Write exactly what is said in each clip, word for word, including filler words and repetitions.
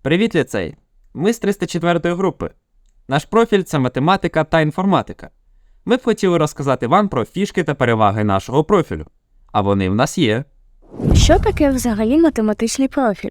Привіт, ліцей! Ми з триста четвертої групи. Наш профіль – це математика та інформатика. Ми б хотіли розказати вам про фішки та переваги нашого профілю. А вони в нас є. Що таке взагалі математичний профіль?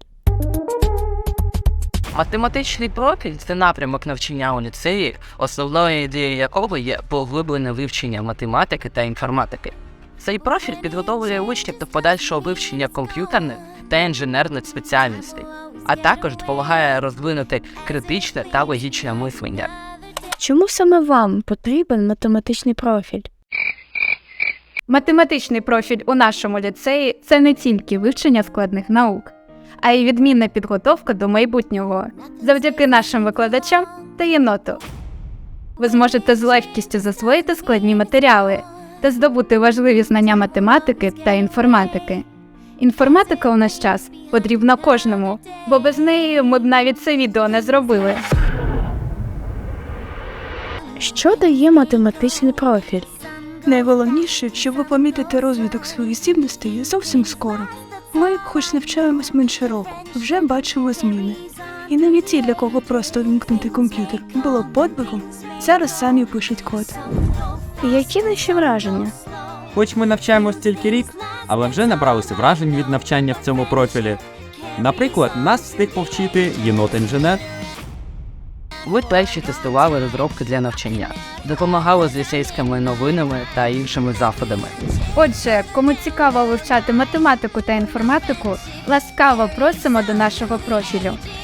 Математичний профіль – це напрямок навчання у ліцеї, основною ідеєю якого є поглиблене вивчення математики та інформатики. Цей профіль підготовлює учнів до подальшого вивчення комп'ютерних та інженерних спеціальностей, а також допомагає розвинути критичне та логічне мислення. Чому саме вам потрібен математичний профіль? Математичний профіль у нашому ліцеї – це не тільки вивчення складних наук, а й відмінна підготовка до майбутнього. Завдяки нашим викладачам та єноту ви зможете з легкістю засвоїти складні матеріали та здобути важливі знання математики та інформатики. Інформатика у наш час потрібна кожному, бо без неї ми б навіть це відео не зробили. Що дає математичний профіль? Найголовніше, що ви помітите розвиток своїх здібностей зовсім скоро. Ми, хоч навчаємось менше року, вже бачимо зміни. І навіть ті, для кого просто вімкнути комп'ютер було подвигом, зараз самі пишуть код. Які наші враження? Хоч ми навчаємось тільки рік, але вже набралися вражень від навчання в цьому профілі. Наприклад, нас встиг повчити єнот-інженер. Ви перші тестували розробки для навчання, допомагали з ліцейськими новинами та іншими заходами. Отже, кому цікаво вивчати математику та інформатику, ласкаво просимо до нашого профілю.